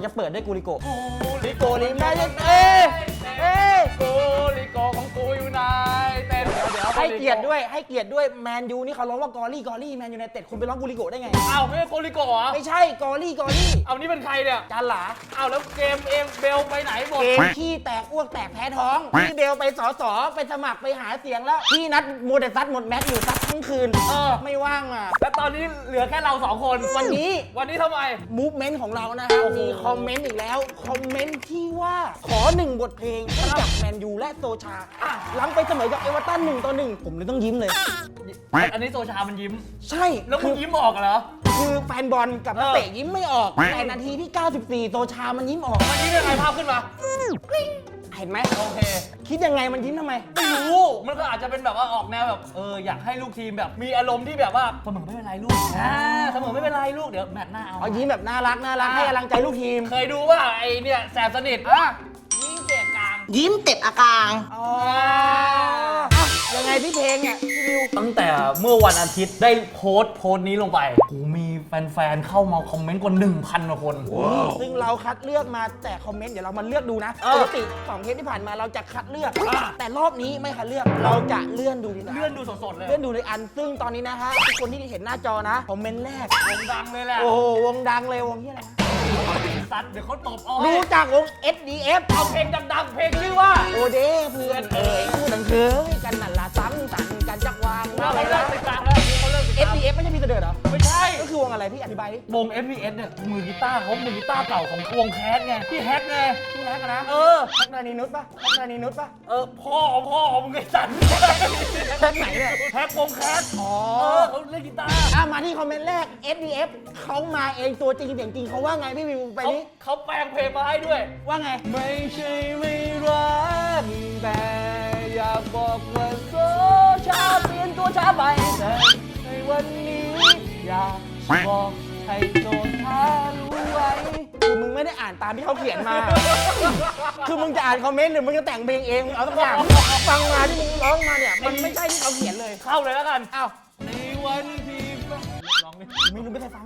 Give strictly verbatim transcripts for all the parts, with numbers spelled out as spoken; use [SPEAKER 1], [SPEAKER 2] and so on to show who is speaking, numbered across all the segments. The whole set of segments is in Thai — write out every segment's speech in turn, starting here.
[SPEAKER 1] จะเปิดด้วยกูริโกะ
[SPEAKER 2] กูลิ
[SPEAKER 1] โกลิแมนยูเอ้ยเอ้ย
[SPEAKER 2] กูลิโกของกูอยู่ไหนเต้นเดี๋ยวเดี๋ยว
[SPEAKER 1] ให้เกียรติด้วยให้เกียรติด้วยแมนยูนี่เขาร้องว่ากอรี่กอรี่แมนยูไนเต็ดคุณไปร้องกูริโกะได้ไง
[SPEAKER 2] อ้าวไม่ใช่กูลิโกเหรอ
[SPEAKER 1] ไม่ใช่กอรี่กอรี่
[SPEAKER 2] เอานี่เป็นใครเนี่ย
[SPEAKER 1] จานหลา
[SPEAKER 2] อ้าวแล้วเกมเองเบลไปไหนหมด
[SPEAKER 1] เกมขี้แตกอ้วกแตกแพ้ท้องพี่เบลไปสอสอไปสมัครไปหาเสียงแล้วพี่นัดโมเดซัดหมดแมตช์อยู่ซัดทั้งคืน
[SPEAKER 2] เออ
[SPEAKER 1] ไม่ว่างอ่ะ
[SPEAKER 2] แล้วตอนนี้เหลือแค่เราสองคน
[SPEAKER 1] วันนี้
[SPEAKER 2] วันนี้ทำไม
[SPEAKER 1] มูฟเมนต์ของเรานะครับ
[SPEAKER 2] โอ้โห
[SPEAKER 1] มีคอมเมนต์อีกแล้ว คอมเมนต์ที่ว่าขอหนึ่งบทเพลงให้กับแมนยูและโซชาอ่ะหลังไปเสมอกับเอเวอร์ตันหนึ่งต่อหนึ่งผมเลยต้องยิ้มเลย
[SPEAKER 2] อันนี้โซชามันยิ้ม
[SPEAKER 1] ใช่
[SPEAKER 2] แล้วมึ
[SPEAKER 1] คื
[SPEAKER 2] ง
[SPEAKER 1] อ
[SPEAKER 2] ยิ้มออกเหรอ
[SPEAKER 1] คือแฟนบอลกับนัก
[SPEAKER 2] เออ
[SPEAKER 1] เตะยิ้มไม่ออกแต่นาทีที่ เก้าสิบสี่ โซชามันยิ้มออก
[SPEAKER 2] มันยิ้มยังไงภาพขึ้นมา
[SPEAKER 1] เห็นไหม
[SPEAKER 2] โอเค
[SPEAKER 1] คิดยังไงมันยิ้มทำไม
[SPEAKER 2] ไม่รู้ มันก็อาจจะเป็นแบบว่าออกแนวแบบเอออยากให้ลูกทีมแบบมีอารมณ์ที่แบบว่าเสมอไม่เป็นไรลูกอ่าเสมอไม่เป็นไรลูกเดี๋ยวแมตช์หน้าเอา
[SPEAKER 1] เอายิ้มแบบน่ารักน่ารักให้กำลังใจลูกทีม
[SPEAKER 2] เคยดูว่าไอเนี่ยแสบสนิทอ่ะยิงเตะกลาง
[SPEAKER 3] ยิ้มเต็บอากาง
[SPEAKER 1] อ๋ออ่ะยังไงพี่เพลงเนี่ยพี่วิว
[SPEAKER 2] ตั้งแต่เมื่อวันอาทิตย์ได้โพสต์โพสต์นี้ลงไปโอ้มีแฟนๆเข้ามาคอมเมนต์กว่า หนึ่งพัน กว่าคน
[SPEAKER 1] ซึ่งเราคัดเลือกมาแต่คอมเมนต์เดี๋ยวเรามาเลือกดูนะ
[SPEAKER 2] เออ
[SPEAKER 1] ปกติสองเทปที่ผ่านมาเราจะคัดเลือก แต่รอบนี้ไม่คัดเลือกเราจะเลื่อนดูดีกว่า
[SPEAKER 2] เลื่อนดูสดๆเลย
[SPEAKER 1] เลื่อนดูในอันซึ่งตอนนี้นะฮะทุกคนที่เห็นหน้าจอนะคอมเมนต์แรก
[SPEAKER 2] วงดังเลยแหละ
[SPEAKER 1] โอ้โหวงดังเลยวงที่อะไรนะ
[SPEAKER 2] สัตว์เดี๋ยวเขาตบเอา
[SPEAKER 1] รู้จักวง เอส ดี เอฟ
[SPEAKER 2] เอาเพลงดังๆเพลงชื่อว่า
[SPEAKER 1] โอเดเพื่อนเอ๋ยคู่ดังเคยกันนั่นละซ้ำสันกันจักวาง
[SPEAKER 2] เขา
[SPEAKER 1] อะไร
[SPEAKER 2] เลิ
[SPEAKER 1] นะ
[SPEAKER 2] กติดตามแล้วเขาเลิกติด
[SPEAKER 1] เอ
[SPEAKER 2] ตา
[SPEAKER 1] ส
[SPEAKER 2] ม
[SPEAKER 1] ดี เอฟ ไม่ใช่พี่เสด็จเหรอ
[SPEAKER 2] ไม่ใช่
[SPEAKER 1] ก็คือวงอะไรพี่อธิบายดิ
[SPEAKER 2] วง เอฟ วี เอส เนี่ยมือกีตาร์เขามือกีตาร์เก่าของวงแคสไงพี่แฮกไง
[SPEAKER 1] พี่แฮกอะนะ
[SPEAKER 2] เออ
[SPEAKER 1] แฮกนานีนุชปะแฮกนานีนุชปะ
[SPEAKER 2] เออพ่อพ่อมึงไอ้สัตว์
[SPEAKER 1] แฮกไหนเนี่ย
[SPEAKER 2] แฮกวงแคส
[SPEAKER 1] อ๋อ
[SPEAKER 2] เออเขาเล่นกีตาร์
[SPEAKER 1] อ่ะมาที่คอมเมนต์แรก เอส ดี เอฟ เขามาเองตัวจริงเสียงจริงเขาว่าไงพี่วิวไป
[SPEAKER 2] เขา
[SPEAKER 1] นี้
[SPEAKER 2] เขาแปลงเพลงมาให้ด้วย
[SPEAKER 1] ว่าไง
[SPEAKER 2] ไม่ใช่ไม่รักแต่อยากบอกว่าโซชาเปลี่ยนตัวช้าไปแต่ในวันนี้อยากบอกให้โซชารู้ไว้
[SPEAKER 1] คือมึงไม่ได้อ่านตามที่เขาเขียนมา คือมึงจะอ่านคอมเมนต์หรือมึงจะแต่งเพลงเองมึงเอาสักอย่างฟังมาที่มึงร้องมาเนี่ยมันไม่ใช่ที่เขาเขียนเลย
[SPEAKER 2] เข้าเลยแล้วกัน
[SPEAKER 1] อ้าว
[SPEAKER 2] ในวันที่ร้องดิ
[SPEAKER 1] ไม่รู้ไม่เคยฟัง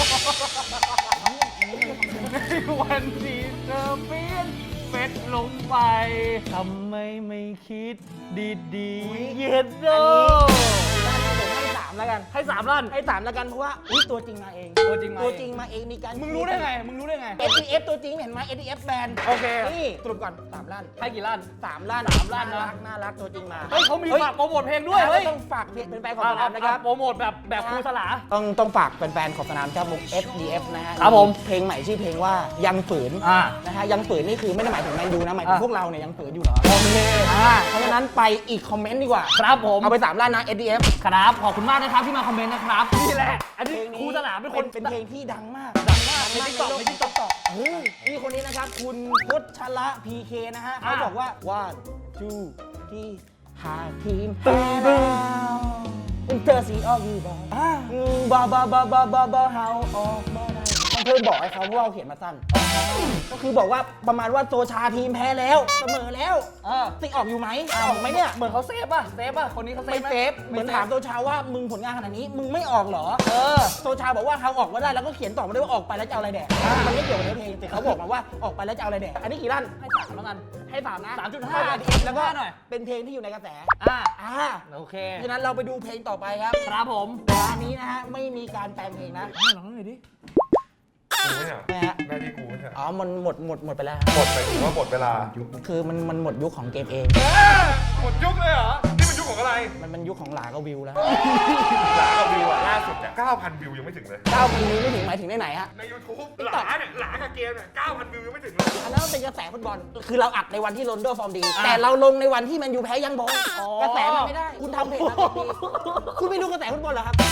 [SPEAKER 2] ในวันที่เธอเปลี่ยนเฟซลงไปทำไมไม่คิดดีๆเย็นโด
[SPEAKER 1] ให้สามแล้วกัน
[SPEAKER 2] ให้สามล้าน
[SPEAKER 1] ให้สามแล้วกันเพราะว่าอุ๊ยตัวจริงมาเอง
[SPEAKER 2] ตัวจริงมา
[SPEAKER 1] ตัว
[SPEAKER 2] เอง
[SPEAKER 1] จริงมาเองมีการ
[SPEAKER 2] มึงรู้ได้ไง มึงรู้ได้ไง
[SPEAKER 1] เอ ดี เอฟ ตัวจริงเห็นไหม เอ ดี เอฟ แบรนด์
[SPEAKER 2] โอเค
[SPEAKER 1] นี่สรุปก่อนสามล้าน
[SPEAKER 2] ให้กี่ล้าน
[SPEAKER 1] สามล้าน
[SPEAKER 2] สามล้านนะ
[SPEAKER 1] น่ารักน่ารักตัวจริงมา
[SPEAKER 2] เฮ้ยเขามีฝากโปรโมทเพลงด้วย
[SPEAKER 1] เฮ้
[SPEAKER 2] เฮ้
[SPEAKER 1] ย
[SPEAKER 2] ย
[SPEAKER 1] ต้องฝากเพจเป็นแฟนของ
[SPEAKER 2] อ่า
[SPEAKER 1] สนามนะครับ
[SPEAKER 2] โปรโมทแบบแบบครูสลา
[SPEAKER 1] ต้องต้องฝากแฟนๆของสนามครับวง เอส ดี เอฟ นะฮะ
[SPEAKER 2] ครับผม
[SPEAKER 1] เพลงใหม่ชื่อเพลงว่ายังฝืน
[SPEAKER 2] อ่า
[SPEAKER 1] นะฮะยังฝืนนี่คือไม่ได้หมายถึงแมนยูนะหมายถึง
[SPEAKER 2] อ่ะ
[SPEAKER 1] พวกเราเนี่ยยังฝืนอยู่เหรอ
[SPEAKER 2] โอเค
[SPEAKER 1] อ่าเพราะฉะนั้นไปอีกคอมเมนต์ดีกว่า
[SPEAKER 2] ครับผม
[SPEAKER 1] เอาไปสามล้านนะ เอส ดี เอฟ
[SPEAKER 2] ครับ ขอบคุณมากนะครับที่มาคอมเมนต์นะครับ นี่แหละ อันนี้
[SPEAKER 1] เพลงนี้
[SPEAKER 2] ครูสลาเป็นคน
[SPEAKER 1] เป็นเพลงที่ดังมาก
[SPEAKER 2] ดังมากใน
[SPEAKER 1] ใน
[SPEAKER 2] ติ๊กต็อก
[SPEAKER 1] โล
[SPEAKER 2] ใน
[SPEAKER 1] ใน
[SPEAKER 2] ติ๊
[SPEAKER 1] ติ๊
[SPEAKER 2] ก
[SPEAKER 1] ก
[SPEAKER 2] ต็
[SPEAKER 1] ต็
[SPEAKER 2] อ
[SPEAKER 1] อก กนี่คนนี้นะครับ คุณพุทธละ พี เค นะฮะเขา
[SPEAKER 2] อ่ะ
[SPEAKER 1] บอกว่า one two ที่หาทีมแพ้แล้วเธอสีออกอยู่บ่บ่บ่บ่บ่บ่บ่เฮาออกบ่ได้ต้องเพิ่มบอกให้เขาเพราะว่าเขาเขียนมาสั้น ก็คือบอกว่าประมาณว่าโซชาทีมแพ้แล้วเสมอแล้ว
[SPEAKER 2] เออ
[SPEAKER 1] สิออกอยู่ไหมออกไหมเนี่ย
[SPEAKER 2] เหมือนเขาเซฟป่ะ เซฟป่ะ คนนี้เขาเซ
[SPEAKER 1] ไม่
[SPEAKER 2] ฟห
[SPEAKER 1] เซฟเหมือนถามโซชาว่ามึงผลงานขนาดนี้มึงไม่ออกเหรอ
[SPEAKER 2] เออ
[SPEAKER 1] โซชาบอกว่าเขาออกมาได้แล้วก็เขียนต่อมาด้วยว่าออกไปแล้วจะเอาอะไรแดกมันไม่เกี่ยวกับเนื้อเพลงแต่เขาบอกมาว่าออกไปแล้วจะเอาอะไรแดกอันนี้กี่ล้าน
[SPEAKER 2] ให้สามแล้วกัน
[SPEAKER 1] ให้สามนะ
[SPEAKER 2] สามจุดห้า
[SPEAKER 1] แล้วก็
[SPEAKER 2] หน่อย
[SPEAKER 1] เป็นเพลงที่อยู่ในกระแส
[SPEAKER 2] อ่า
[SPEAKER 1] อ่า
[SPEAKER 2] โอเค
[SPEAKER 1] ฉะนั้นเราไปดูเพลงต่อไปครับ
[SPEAKER 2] ครับผม
[SPEAKER 1] แต่อันนี้นะฮะไม่มีการแปลงเพลงนะ
[SPEAKER 2] ให้ลองหน่อยดิ
[SPEAKER 4] กูไม่ใช่เหรอ
[SPEAKER 1] นะฮะ
[SPEAKER 4] หน้าที่กูไม่ใช่เหรอ
[SPEAKER 1] อ๋อมันหมดหมดหมดไปแล้ว
[SPEAKER 4] หมดไปถึงว่าหมดเวลา
[SPEAKER 1] คือมันมันหมดยุคของเกมเอง
[SPEAKER 4] เอ้ยหมดยุคเลยเหรอ นี่มันยุคของอะไร
[SPEAKER 1] มันมันยุคของหลากับวิวแล้ว
[SPEAKER 4] หลากับวิวอะล่าสุดอะเก้าพันวิวยังไม่ถึงเลย
[SPEAKER 1] เก้าพันวิวไม่ถึงหมายถึงได้ไหนฮะ
[SPEAKER 4] ใน YouTube หลาเนี่ยหลากับเกมเนี่ยเก้าพันวิวยังไม่ถึงเลย
[SPEAKER 1] อันนั้นมันเป็นกระแสฟุตบอล คือเราอัดในวันที่โรนลโดฟอร์มดี แต่เราลงในวันที่แมนยูแพ้ยังบอลกระแสมันไม่ได้ คุณทำเพจมาดีคุณไม่รู้กระแสฟุตบอลเหรอครับ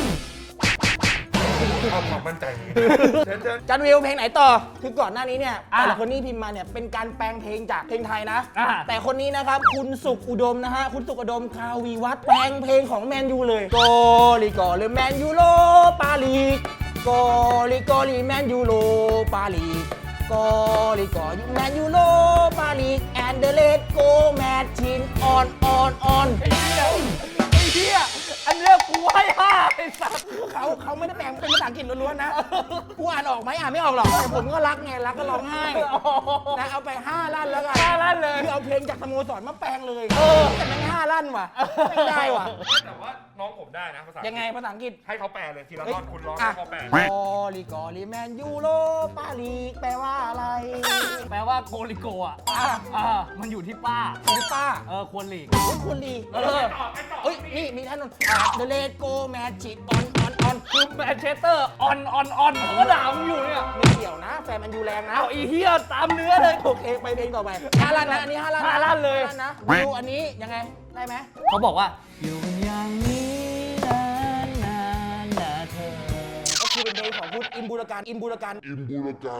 [SPEAKER 4] เอาความมั่นใจนี้เชิญเชิญ
[SPEAKER 1] จันวิวเพลงไหนต่อ คือก่อนหน้านี้เนี่ย
[SPEAKER 2] อ่ะ
[SPEAKER 1] แต่ละคนนี่พิมพ์มาเนี่ยเป็นการแปลงเพลงจากเพลงไทยนะ
[SPEAKER 2] อ่ะ
[SPEAKER 1] แต่คนนี้นะครับคุณสุขอุดมนะฮะ คุณสุขอุดมคาวีวัฒน์แปลงเพลงของแมนยูเลยโกลีโกหรือแมนยูโลปาลีโกลีโกลีแมนยูโลปาลีโกลีโกแมนยูโลปาลีแอนเดเลตโกแมทชินออนออนออน
[SPEAKER 2] ไอ้เหี้ยไอ้เหี้ยอันนี้เรียกกูให้ห้าไอ้สัส
[SPEAKER 1] เขาเขาไม่ได้แปลงเป็นภาษาอังกฤษล้วนๆนะกูอ่านออกไหมอ่านไม่ออกหรอกแต่ผมก็รักไงรักก็ร้องไห้นะเอาไปห้าลั่นแล้วกัน
[SPEAKER 2] ห้าลั่นเลย
[SPEAKER 1] คือเอาเพลงจากสโมสรมาแปลงเลย
[SPEAKER 2] เออ
[SPEAKER 1] แต่แม่งห้าลั่นว่ะไม่ได้ว่ะ
[SPEAKER 4] แต่ว่าน้องผมได้นะภาษา
[SPEAKER 1] ยังไงภาษาอังกฤษ
[SPEAKER 4] ให้เขาแปลเลยทีละท่อนคุณร้อง
[SPEAKER 1] อ่ะ
[SPEAKER 4] ให้เขาแปล
[SPEAKER 1] กอลิกอลิแมนยูโรปาลีกแปลว่าอะไร
[SPEAKER 2] แปลว่าโกลิโกอ่ะ
[SPEAKER 1] อ่ะ
[SPEAKER 2] อ่ามันอยู่ที่ป้า
[SPEAKER 1] คุณป้า
[SPEAKER 2] เออควรหลีก
[SPEAKER 1] โอ้ยคุณลี
[SPEAKER 2] เออ
[SPEAKER 1] เฮ้ยนี่มีท่านนนเดเลโกแมจิตออนออนออน
[SPEAKER 2] คือแมนเชสเตอร์ออนออนออนผมก็ด่ามึงอยู่เนี่ย
[SPEAKER 1] ไม่เกี่ยวนะ แฟนมันยูแรงนะ
[SPEAKER 2] เอาอีเฮียตามเนื้อเลย
[SPEAKER 1] โอเคไปเพลงต่อไปห้าลั่นนะอันนี้ห้าลั่น
[SPEAKER 2] ห้าลั่นเลย
[SPEAKER 1] ห้าลั่นนะวิวอันนี้ยังไงได้ไหม
[SPEAKER 2] เขาบอกว่าอยู่กันอย่างนี้นานนานนะเธอ
[SPEAKER 1] ก็คือเป็นเพลงของพุทธอินบูรการอินบูรการ
[SPEAKER 3] Imbulakan,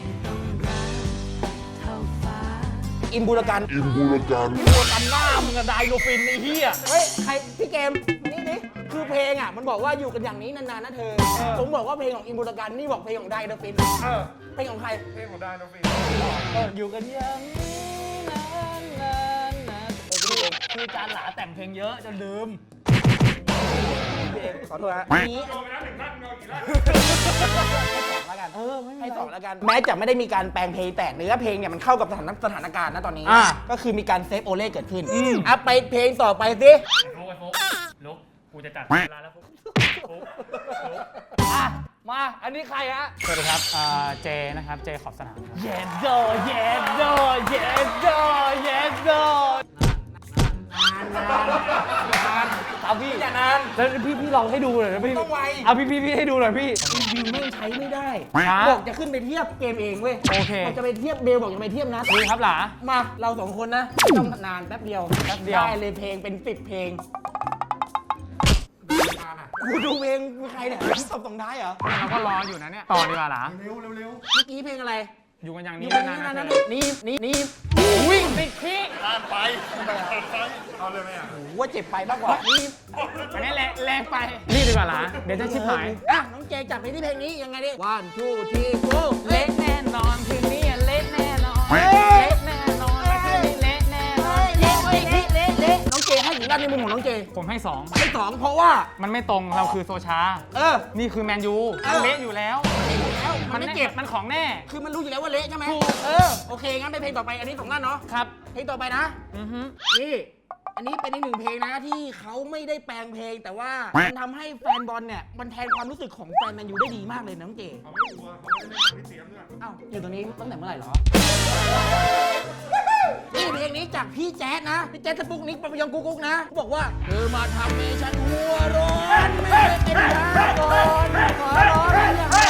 [SPEAKER 1] อินบูรการ
[SPEAKER 3] Imbulakan.
[SPEAKER 2] ตัวกันหน้ามึงอะไดโนฟินไอ้เฮีย
[SPEAKER 1] เฮ้ยใครพี่เกมนี่ดิคือเพลงอ่ะมันบอกว่าอยู่กันอย่างนี้นานๆนะเธอ ผมบอกว่าเพลงของอินบูรการนี่บอกเพลงของไดเดอะฟิน
[SPEAKER 4] เออ
[SPEAKER 1] เพลงของใคร
[SPEAKER 4] เพลงของได้น้องฟิน
[SPEAKER 2] เอออยู่กันอย่างนี้นานนานนะเออคือคือจานหลาแต่งเพลงเยอะจนลืม
[SPEAKER 1] พี่เกมขอโทษฮะนี้
[SPEAKER 4] โดนไปแล้วหนึ่งนัดเงากี่นัด
[SPEAKER 1] ให้สองแล้วกัน
[SPEAKER 2] เออไม่มี
[SPEAKER 1] ให้
[SPEAKER 2] ไร
[SPEAKER 1] สองแล้วกัน แม้จะไม่ได้มีการแปลงเพลงแต่เนื้อเพลงเนี่ยมันเข้ากับสถานสถานการณ์นะตอนนี้
[SPEAKER 2] อ่า
[SPEAKER 1] ก็คือมีการเซฟโอเล่เกิดขึ้น
[SPEAKER 2] อืม
[SPEAKER 1] อ่ะไปเพลงต่อไปสิ
[SPEAKER 5] ลุกไอ้ฟุกลุกกูจะจัดเวลาแล้วฟุกฟุกฟุก
[SPEAKER 2] อ่ะมาอันนี้ใครฮะ
[SPEAKER 5] สวัสดีครับอ่าเจนะครับ เจขอบสนามครับ
[SPEAKER 2] เยสโดเยสโดเยสโดเยสโดเอาพี่
[SPEAKER 1] อย่านาน
[SPEAKER 2] แล้วพี่พี่ลองให้ดูหน่อยนะพี่
[SPEAKER 1] ต้องไว
[SPEAKER 2] เอาพี่พี่พี่ให้ดูหน่อยพี่
[SPEAKER 1] วิวไม่งใช้ไม่ได้
[SPEAKER 2] ช้า
[SPEAKER 1] บอกจะขึ้นไปเทียบเกมเองเว้ย
[SPEAKER 2] โอเค
[SPEAKER 1] บอกจะไปเทียบเบลบอกจะไปเทียบนัด
[SPEAKER 5] ดีครับหลา
[SPEAKER 1] มาเราสองคนนะไม่ต้องนานแป๊บเดียว
[SPEAKER 5] แป๊บเดียว
[SPEAKER 1] ได้เลยเพลงเป็นสิบเพลงกูดูเพลงมีใครเนี่ยตบส่งท้ายเหรอ
[SPEAKER 5] เราก็รออยู่นะเนี่ย ต่อดีกว่าหลา
[SPEAKER 1] เมื่อกี้เพลงอะไร
[SPEAKER 5] อยู่กันอย่าง
[SPEAKER 1] นี่
[SPEAKER 5] นี้
[SPEAKER 1] เป็น
[SPEAKER 5] นาน
[SPEAKER 1] นั่น
[SPEAKER 5] ๆ
[SPEAKER 1] นั่
[SPEAKER 5] นะ
[SPEAKER 1] นนี่นี่นี่
[SPEAKER 2] วิ่งติดขี้
[SPEAKER 4] ข้ามไปเอาเลยไหมอ่ะ
[SPEAKER 1] โอ้โหว่าเจ็บไปมากกว่านี่
[SPEAKER 5] อันนี้แรงแรงไป รีบดีกว่าหลา เดี๋ยวจะชิบหาย
[SPEAKER 1] อ่ะน้องเจจับไปที่เพลงนี้ยังไงดิ one two three go
[SPEAKER 5] เละแน่นอนคืนนี้เละแน่นอน
[SPEAKER 1] เฮ้
[SPEAKER 5] เละ
[SPEAKER 1] ย
[SPEAKER 5] แน่นอนคืนนี้เละแน่นอน
[SPEAKER 1] เละเละเละเละเละน้องเจให้กี่ด้านในมุมของน้องเจ
[SPEAKER 5] ผมให้สอง
[SPEAKER 1] ให้สองเพราะว่า
[SPEAKER 5] มันไม่ตรงเราคือโซชา
[SPEAKER 1] เออ
[SPEAKER 5] นี่คือแมนยู
[SPEAKER 1] เออ
[SPEAKER 5] เละอยู่แล้ว
[SPEAKER 1] มันเละอยู่แล้วมันไม่เจ็บ
[SPEAKER 5] มันของแน่
[SPEAKER 1] คือมันรู้อยู่แล้วว่าเละใช่ไหม
[SPEAKER 5] ถูก
[SPEAKER 1] เออโอเคงั้นไปเพลงต่อไปอันนี้สองด้านเนาะ
[SPEAKER 5] ครับ
[SPEAKER 1] เพลงต่อไปนะ
[SPEAKER 5] อือฮึ
[SPEAKER 1] นี่ อันนี้เป็นอีกหนึ่งเพลงนะที่เขาไม่ได้แปลงเพลง แต่ว่ามันทำให้แฟนบอลเนี่ยมันแทนความรู้สึกของแฟนแมนยูได้ดีมากเลยนะน้องเจ
[SPEAKER 4] เขาไม่กลัวเขาไม่ได้เล่นกับพี่เสียมด้วย
[SPEAKER 1] อ้าวอยู่ตรงนี้ตั้งแต่เมื่อไหร่เหรอ นี่เพลงนี้จากพี่แจ๊ดนะ พี่แจ๊ดสปุกนิกปะยองกุ๊กกุ๊กนะเขาบอกว่าเธอมาทำให้ฉันหัวร้อนไม่ได้เป็นยาก่อนขอร้อนอย่างไร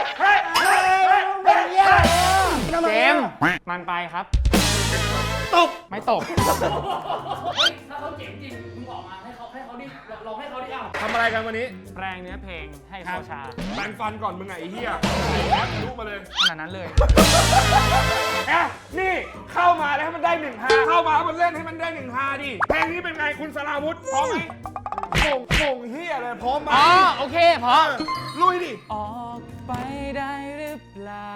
[SPEAKER 1] เป็นยา
[SPEAKER 5] เจมส์มันไปครับ
[SPEAKER 1] ตบ
[SPEAKER 5] ไม่ตก
[SPEAKER 2] เฮ้ยถ้าเขาเจ๋งจริงมึงออกมาให้เขาให้เขาดิลองให้เขาดิเอ้า
[SPEAKER 4] ทำอะไรกันวันนี้
[SPEAKER 5] แปลงเนื้อเพลงให้โซชา
[SPEAKER 4] แปรงฟันก่อนมึงไงไอ้เหี้ยไอ้แอปรู้มาเลย
[SPEAKER 5] ขนาดนั้นเลย
[SPEAKER 4] แอะนี่เข้ามาแล้วให้มันได้หนึ่งฮาเข้ามาให้มันเล่นให้มันได้หนึ่งฮาดิเพลงนี้เป็นไงคุณสราวุธพร้อมไหมโป่งโป่งเฮียเลยพร้อมไหม
[SPEAKER 5] อ๋อ โอเคพอ
[SPEAKER 4] เออลุยดิ
[SPEAKER 5] ออกไปได้หรือเปล่า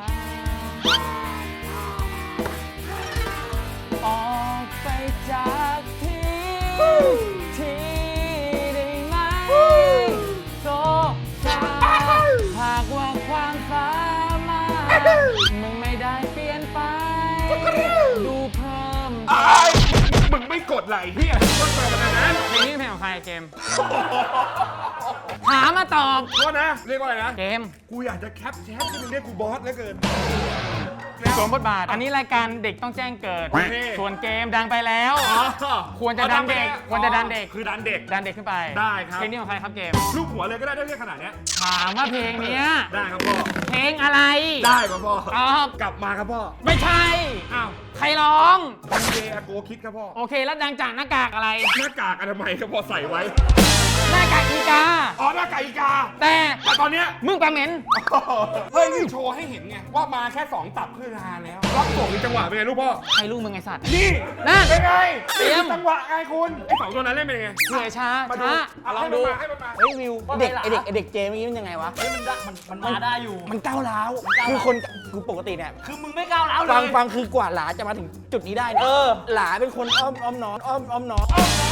[SPEAKER 5] ออกไปจากที่ที่ได้ไหมโซชาหากว่าความสามารถมึงไม่ได้เปลี่ยนไป ดูเพิ่ม
[SPEAKER 4] ไอ้ยมึงไม่กดไหลเฮียต้นเปิดขนาดนั้น
[SPEAKER 5] เพลงนี้เพลงของใครเกม หามาตอบ
[SPEAKER 4] โทษนะ เรียกว่าอะไรนะ
[SPEAKER 5] เกม
[SPEAKER 4] กูอยากจะแคปแชทที่มึงเรียกกูบอสเหลือเกิน
[SPEAKER 5] สวมบทบาท อันนี้รายการเด็กต้องแจ้งเกิด
[SPEAKER 4] โอเค
[SPEAKER 5] ส่วนเกมดังไปแล้ว
[SPEAKER 4] อ๋อ
[SPEAKER 5] ควรจะดันเด็ก ควรจะดันเด็ก
[SPEAKER 4] คือดันเด็ก
[SPEAKER 5] ดันเด็กขึ้นไป
[SPEAKER 4] ได้ครับ
[SPEAKER 5] เพลงนี้ของใครครับเกม
[SPEAKER 4] ลูกหัวเลยก็ได้ได้เรียกขนาดเนี้ย
[SPEAKER 5] ถามว่าเพลงเนี้ย
[SPEAKER 4] ได้ครับพ่อ
[SPEAKER 5] เพลงอะไร
[SPEAKER 4] ได้ครับพ่อ
[SPEAKER 5] ตอบ
[SPEAKER 4] กลับมาครับพ่อ
[SPEAKER 5] ไม่ใช่
[SPEAKER 4] อ้าว
[SPEAKER 5] ใครร้อง
[SPEAKER 4] ดันเดอาโกคิดครับพ่อ
[SPEAKER 5] โอเค แล้วดังจากหน้ากากอะไร
[SPEAKER 4] หน้ากากอนามัยครับพ่อใส่ไว้
[SPEAKER 5] หน้ากากอีกา
[SPEAKER 4] อ๋อหน้ากากอีกา
[SPEAKER 5] แต่
[SPEAKER 4] แต่ตอนเนี้ย
[SPEAKER 5] มึงปลาเหม็น
[SPEAKER 4] เฮ้ยนี่โชว์ให้เห็นไง ว่ามาแค่สองตับคือฮาแล้วรับส่งในจังหวะเป็นไงลูกพ่อ
[SPEAKER 5] ใครลูกมึงไอสัตว์
[SPEAKER 4] นี่
[SPEAKER 5] นั่น
[SPEAKER 4] เป็นไง
[SPEAKER 5] เตรียม
[SPEAKER 4] นี่คือจังหวะไงคุณไอ้สองตัวนั้นเล่นเป็นไง
[SPEAKER 5] เหนื่อยช้า
[SPEAKER 4] มาดู
[SPEAKER 5] ช้า
[SPEAKER 4] อ่ะลองดูให้มันมา
[SPEAKER 1] เฮ้ยวิวเด็กไอเด็กไอเด็กเจเมื่อกี้มันยังไงวะ
[SPEAKER 2] เฮ้ยมันได้มันมันมาได้อยู่
[SPEAKER 1] มันก้าวร้าวคือคนคือปกติเนี่ย
[SPEAKER 2] คือมึงไม่ก้าวร้าวเล
[SPEAKER 1] ฟัง
[SPEAKER 2] ย
[SPEAKER 1] ฟังคือกว่าหลาจะมาถึงจุดนี้ได้เนี่ย
[SPEAKER 2] เออ
[SPEAKER 1] หลาเป็นคนอ้อมอ้อมน้อมอ้อมอ้อมน้อม
[SPEAKER 4] เหี้ย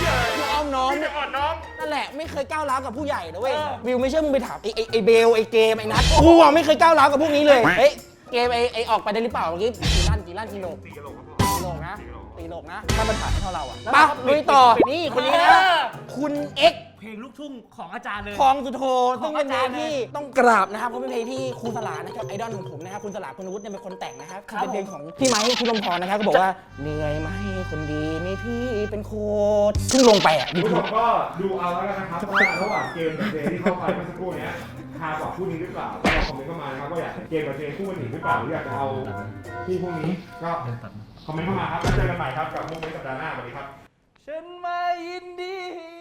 [SPEAKER 1] อ้อมน้อม
[SPEAKER 4] พี่จะอ่อนน้อม
[SPEAKER 1] นั่นแหละไม่เคยก้าวร้าวกับผู้ใหญ่นะเว้ย
[SPEAKER 4] เออ
[SPEAKER 1] วิวไม่เชื่อมึงไปถามไอ้ไอ้ไอ้เบลไอ้เกมไอ้นัทกูอะไม่เคยก้าวร้าวกับพวกนี้เลยเฮ้ยเกมไอ้ไอ้ออกไปได้หรือเปล่าเมื่อกี้กี่ลั่นกี่ลั่นกี่โล
[SPEAKER 4] สี่กิโลครับ
[SPEAKER 1] ตีโลกนะตีโลกนะถ้ามันถ่ายให้เท่าเราอะไปลุยต่อ นี่คนนี้นะ คุณเอ็กซ์
[SPEAKER 2] เพลงลูกทุ่งของอาจารย์เลย
[SPEAKER 1] ทองสุโธต้องเป็นเพล
[SPEAKER 2] ของ
[SPEAKER 1] ง
[SPEAKER 2] อาจารย์
[SPEAKER 1] ที่ต้องกราบนะครับเพราะเป็นเพลงที่ครูสลานะครับไอดอลของผมนะครับคุณสลาคุณวุฒิเนี่ยเป็นคนแต่งนะครับ
[SPEAKER 2] ครับ
[SPEAKER 1] เป็นเพลงของพี่ไม้คุณลมพรนะครับก็บอกว่าเหนื่อยไหมคนดีมีพี่เป็นโค้ชเพิ่งลงไปอ่ะ
[SPEAKER 4] คุณผู้ชมก็ดูเอาแล้วกันนะครับว่าระหว่างเกมกับเพลงที่เข้าไปเมื่อสักครู่เนี้ยคากว่าคู่นี้หรือเปล่าก็ลองคอมเมนต์เข้ามานะครับว่าอยากเกมกับเพลงคู่กันอีกหรือเปล่าหรืออยากจะเอาคู่พวกนี้ก็คอมเมนต์เข้ามาครับแล้วเจอกันใหม่ครับกับมุกในสัปดาห์หน้าสวัสดีครับ
[SPEAKER 2] ฉันมายินดี